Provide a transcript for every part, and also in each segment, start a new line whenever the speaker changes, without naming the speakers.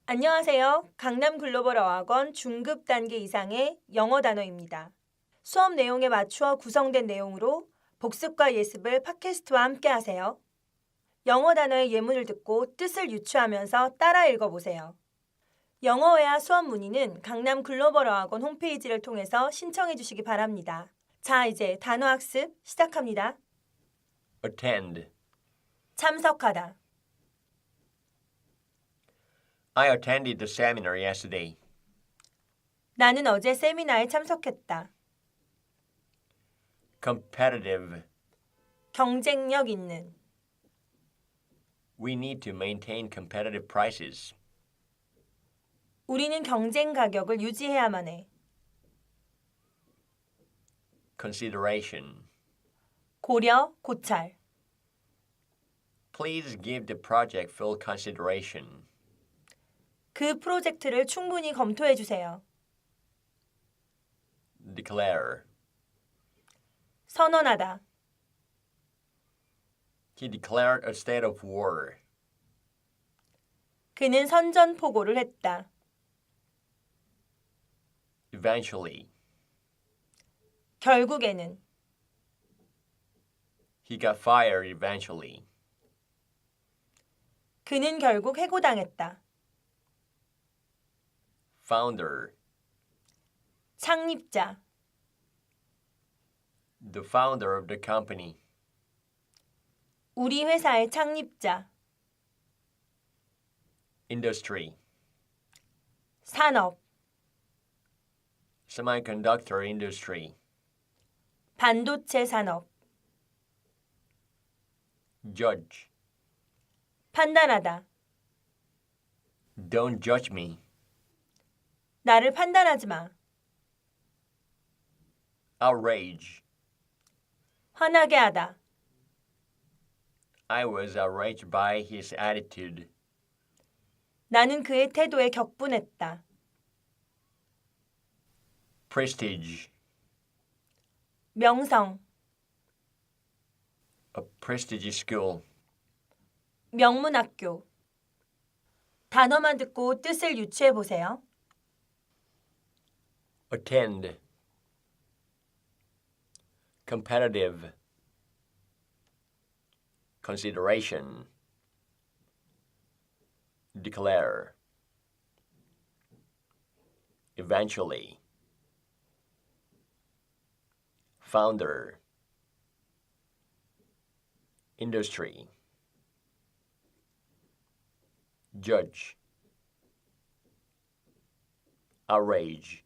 안녕하세요. 강남 글로벌 어학원 중급 단계 이상의 영어 단어입니다. 수업 내용에 맞추어 구성된 내용으로 복습과 예습을 팟캐스트와 함께 하세요. 영어 단어의 예문을 듣고 뜻을 유추하면서 따라 읽어보세요. 영어회화 수업 문의는 강남 글로벌 어학원 홈페이지를 통해서 신청해 주시기 바랍니다. 자, 이제 단어 학습 시작합니다.
Attend.
참석하다,
I attended the seminar yesterday.
나는 어제 세미나에 참석했다.
Competitive.
경쟁력 있는,
We need to maintain competitive prices.
우리는 경쟁 가격을 유지해야만 해.
Consideration.
고려, 고찰,
Please give the project full consideration.
그 프로젝트를 충분히 검토해 주세요.
Declare.
선언하다,
He declared a state of war.
그는 선전포고를 했다.
Eventually.
결국에는,
He got fired eventually.
그는 결국 해고당했다.
Founder.
창립자,
The founder of the company.
우리 회사의 창립자,
Industry.
산업,
Semiconductor industry.
반도체 산업,
Judge.
판단하다,
Don't judge me.
나를 판단하지 마.
Outrage.
화나게 하다,
I was outraged by his attitude.
나는 그의 태도에 격분했다.
Prestige.
명성,
A prestigious school.
명문학교. 단어만 듣고 뜻을 유추해 보세요.
Attend. Competitive. Consideration. Declare. Eventually. Founder. Industry. Judge. Outrage.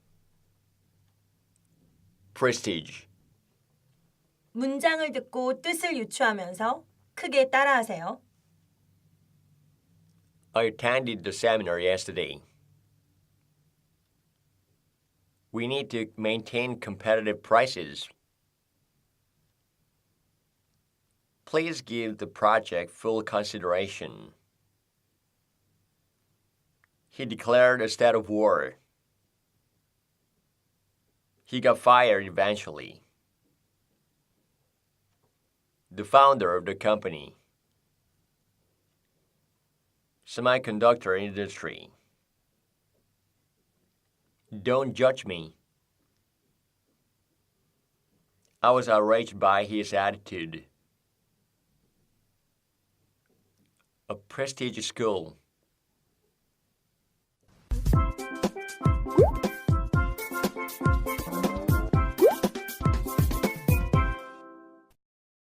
Prestige.
문장을 듣고 뜻을 유추하면서 크게 따라하세요.
I attended the seminar yesterday. We need to maintain competitive prices. Please give the project full consideration. He declared a state of war. He got fired eventually. The founder of the company. Semiconductor industry. Don't judge me. I was outraged by his attitude. A prestigious school.